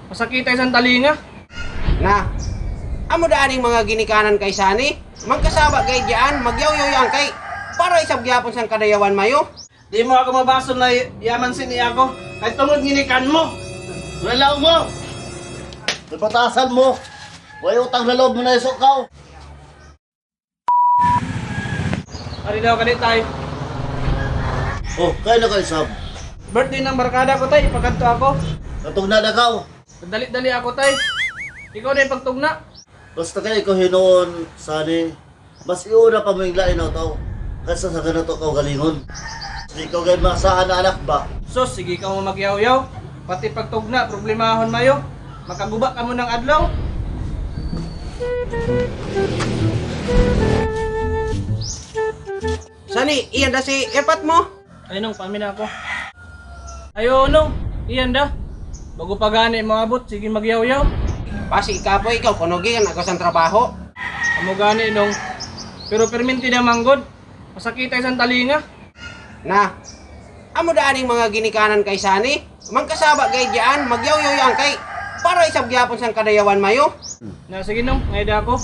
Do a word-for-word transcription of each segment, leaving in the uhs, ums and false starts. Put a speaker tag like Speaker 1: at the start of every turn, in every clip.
Speaker 1: Masakitay sa talinga.
Speaker 2: Na, amo daaning mga ginikanan kay Sani, magkasaba kay diyan, magyaw-yaw kay para isab gyapon sang kadayawan mayo.
Speaker 1: Di mo ako mabaso na yaman siniya ko. Kahit tungod ginikan mo.
Speaker 3: Wala mo! Napatasan mo! Way utang na loob mo na isukaw!
Speaker 1: Ari daw kanit tay.
Speaker 3: Oh, kaya na kayo sab.
Speaker 1: Birthday ng barkada ko tay, pagkanto ako.
Speaker 3: Katong na nakaw.
Speaker 1: Dali-dali ako tay. Ikaw na yung pagtugna.
Speaker 3: Basta kayo ko hinoon, Sani. Mas iuna pa mo yung lain na tao. Kaysa sa ganito kau galingon. Hindi ko kayo masahan na anak ba?
Speaker 1: Sos, sige ka mo magyaw-yaw. Pati pagtugna, problemahon mayo. Makaguba ka mo ng adlaw.
Speaker 2: Sani, iyan da si epat mo.
Speaker 1: Ay nung, pamina ako. Ayo nung, iyan da. Bago pa gani maabot, sige magyaw-yaw.
Speaker 2: Pasi ikapoy ikaw kunogi kan ako sang trabaho.
Speaker 1: Amo gani nung. Pero perminti na manggod. Masakitay sa talinga.
Speaker 2: Na, amo daaning mga ginikanan kay Sani, magkasaba kay diyan, magyaw-yaw kay para isab gyapon sang kadayawan mayo.
Speaker 1: Na sige nung, ngayda ako.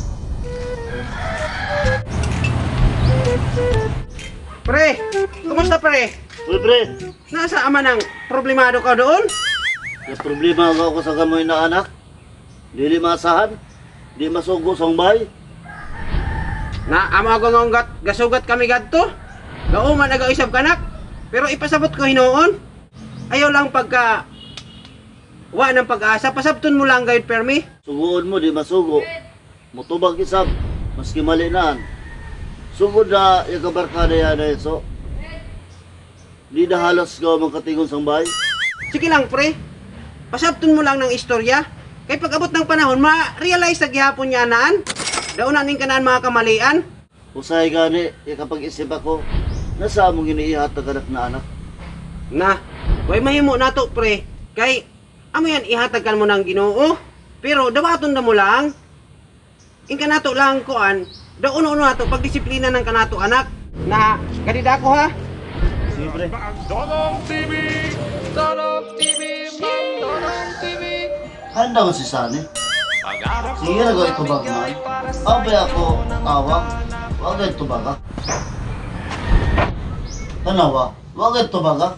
Speaker 2: Pre, kumusta pre?
Speaker 3: Uy, pre.
Speaker 2: Nasa ama ng problemado ka doon?
Speaker 3: May problema ako sa gamoy na anak. Dili masahan. Di masugo sa bay.
Speaker 2: Na ama ko ngonggat gasugat kami gadto. Gauman aga isab kanak. Pero ipasabot ko hinoon. Ayaw lang pagka wa ng pag-asa, pasabton mo lang gayud permi.
Speaker 3: Suguon mo, di masugo. Mutubag isab. Maski mali naan. Sugod na yung kabarkada yan na so. Di na halos gawa magkatingon sa bay.
Speaker 2: Sige lang pre. Pasabton mo lang ng istorya. Kay pag-abot ng panahon, ma-realize sa gihapon niya naan. Daon nanin ka naan mga kamalian.
Speaker 3: Usay gani, yung kapag isip ako, nasa among iniihat na anak na anak.
Speaker 2: Na, way mahimo nato pre. Kay amo yan ihatagan mo ng Ginoo. Pero dawaton na mo lang. In kanato lang kuan, daon uno nato pagdisiplina ng kanato anak. Na kadida ko ha.
Speaker 3: Sige pre.
Speaker 1: Dodong T V! Dodong T V! Dodong T V!
Speaker 3: Handa mo si Sani. Sige na gawin tubag man. Abay ako awang. Huwag gawin tubag ha. Tanawa, huwag gawin tubag ha.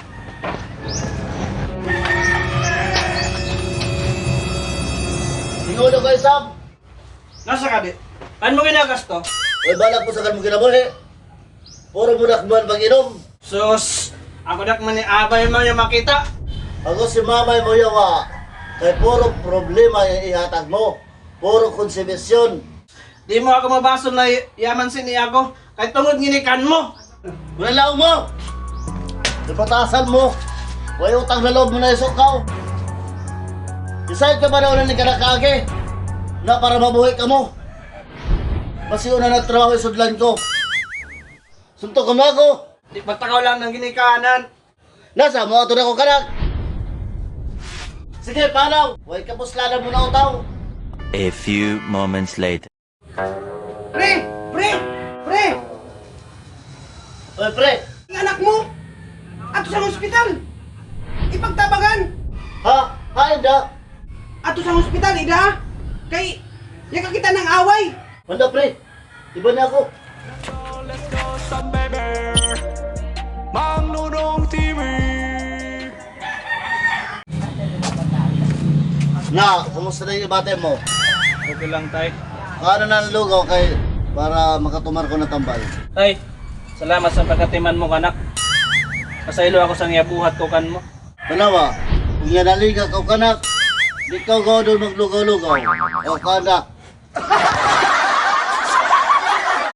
Speaker 3: Tingnan na kayo Sam.
Speaker 1: Nasa ka di? Paano mo ginagas to?
Speaker 3: May balak po sa kan mo kinabuhi. Puro mo nakman pag-inom.
Speaker 1: Sus! Ako dak man ni abay mo yung makita.
Speaker 3: Ako si mamay mo yawa. Kay puro problema yung ihatag mo. Puro konsibisyon.
Speaker 1: Di mo ako mabaso na yaman siniya ko. Kahit tungod ginikan mo.
Speaker 3: Wala mo! Napatasan mo! Way utang na loob mo na isukaw! Decide ka ba na ulan ni kanakage? Na para mabuhay ka mo? Masiuna na trabaho yung sudlan ko. Suntok ka mo ako!
Speaker 1: Di patakaw lang ng ginikanan.
Speaker 3: Nasa mo ato na ko kanak! Sige, panaw! Way kapuslanan mo na utaw!
Speaker 4: A few moments later.
Speaker 2: Pre! Pre! Pre!
Speaker 3: Oy, pre!
Speaker 2: Ang anak mo! Ato sa ospital! Ipagtabagan!
Speaker 3: Ha? Ha, hindi!
Speaker 2: Ato sa ospital, ida! Kay, yaka kita ng away!
Speaker 3: Wala, pre! Iba na ako! Na, kumusta na yung ibate mo?
Speaker 1: Okay lang tay.
Speaker 3: Ano na lugaw kay para makatumar ko na tambal?
Speaker 1: Tay, salamat sa pagkatiman mo kanak. Pasaylo ako sa ngiyabuhat ko kan mo.
Speaker 3: Tanawa, kung yan naliga ka kanak, di ka gawa doon maglugaw-lugaw. O kanak.